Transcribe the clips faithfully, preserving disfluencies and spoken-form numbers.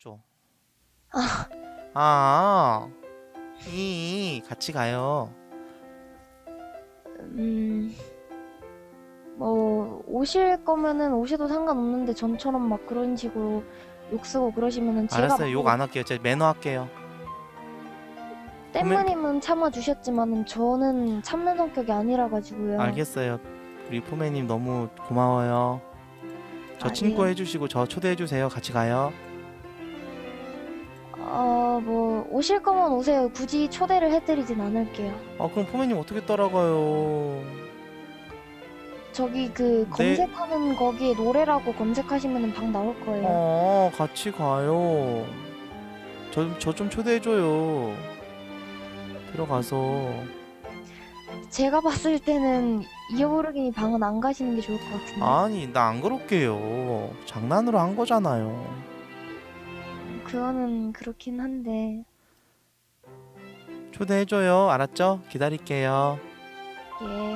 줘. 아, 아, 이 같이 가요. 음, 뭐 오실 거면은 오셔도 상관없는데 전처럼 막 그런 식으로 욕 쓰고 그러시면은 제가 알았어요. 욕 안 막 할게요. 제가 매너 할게요. 땜마님은 참아 주셨지만은 저는 참는 성격이 아니라 가지고요. 알겠어요. 우리 포메님 너무 고마워요. 저 아, 친구 예. 해주시고 저 초대해 주세요. 같이 가요. 어, 뭐 오실 거면 오세요. 굳이 초대를 해드리진 않을게요. 아 그럼 포메님 어떻게 따라가요? 저기 그 네. 검색하는 거기에 노래라고 검색하시면은 방 나올 거예요. 어 같이 가요. 저 저 좀 초대해 줘요. 들어가서. 제가 봤을 때는 이어부르기니 방은 안 가시는 게 좋을 것 같은데. 아니 나 안 그럴게요. 장난으로 한 거잖아요. 그거는 그렇긴 한데. 초대해 줘요. 알았죠? 기다릴게요. 예.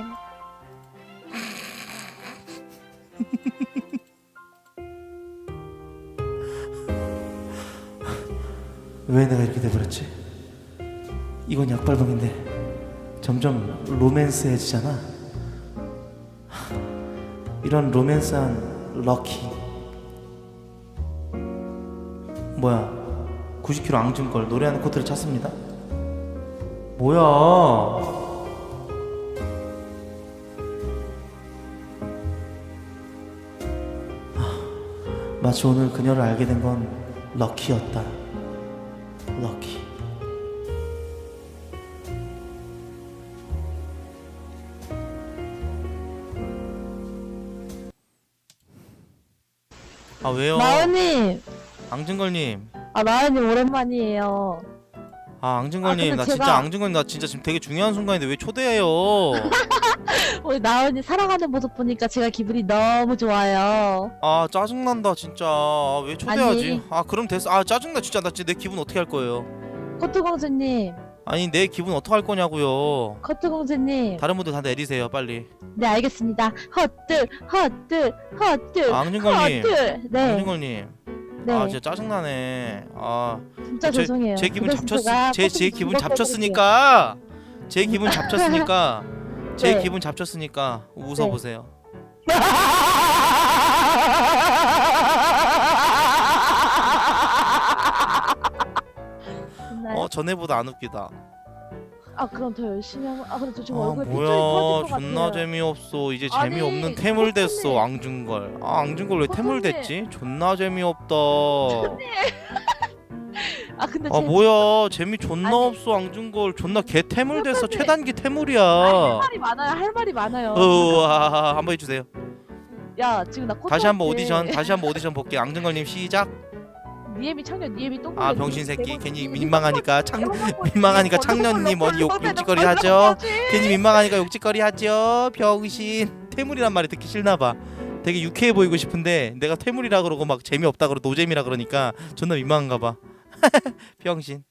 왜 내가 이렇게 돼버렸지? 이건 약발방인데 점점 로맨스해지잖아. 이런 로맨스한 럭키. 뭐야? 구십 킬로그램 앙증걸 노래하는 코트를 찾습니다. 뭐야? 마치 오늘 그녀를 알게 된 건 럭키였다. 럭키. 아 왜요? 나은님, 앙증걸님. 아 나은님 오랜만이에요. 아 앙증걸님 아, 나 근데 진짜 제가- 앙증걸님 나 진짜 지금 되게 중요한 순간인데 왜 초대해요? 우리 나은이 살아가는 모습 보니까 제가 기분이 너무 좋아요. 아 짜증난다 진짜. 아, 왜 초대하지? 아니. 아 그럼 됐어. 아 짜증나 진짜. 나 진짜 내 기분 어떻게 할 거예요? 코트공주님, 아니 내 기분 어떻게 할 거냐고요. 코트공주님. 다른 분들 다 내리세요 빨리. 네 알겠습니다. 헛들, 헛들, 헛들, 아, 앙증걸님. 헛들. 네, 앙증걸님. 네. 아 진짜 짜증나네. 아 진짜 제, 죄송해요. 제 기분 그 대신 잡쳤 제가 제, 제 코트공주 기분 즐겁게 잡쳤으니까 제 기분 잡쳤으니까 제 네. 기분 잡쳤으니까 웃어보세요. 됐나요? 어 전에보다 안 웃기다. 아 그럼 더 열심히 하면. 아 근데 저 지금 아 얼굴 핏줄이 뭐야 터질 것 존나 같아요. 재미없어. 이제 아니, 재미없는 태물 됐어. 코트님. 앙증걸. 아 앙증걸 왜 태물 코트님. 됐지? 존나 재미없다. 아 근데 아 제 뭐야 재미 존나 아니. 없어. 앙증걸 존나 개 태물 됐어. 코트님. 최단기 태물이야. 할 말이 많아요. 할 말이 많아요. 으아 한번 해주세요. 야 지금 나 코트 다시 한번 오디션 다시 한번 오디션 볼게. 앙증걸님 시작. 니엠이 창년 니엠이 똥 아 굴려, 병신 니엠이 새끼 대본, 괜히 니엠이 민망하니까 똥 창 굴려, 민망하니까 니엠이 창년님 똥 어디 욕 굴려, 욕짓거리 똥 하죠. 굴려, 괜히 민망하니까 욕짓거리 하죠. 병신. 태물이란 말이 듣기 싫나봐. 되게 유쾌해 보이고 싶은데 내가 태물이라 그러고 막 재미없다 그러고 노잼이라 그러니까 존나 민망한가봐. 병신.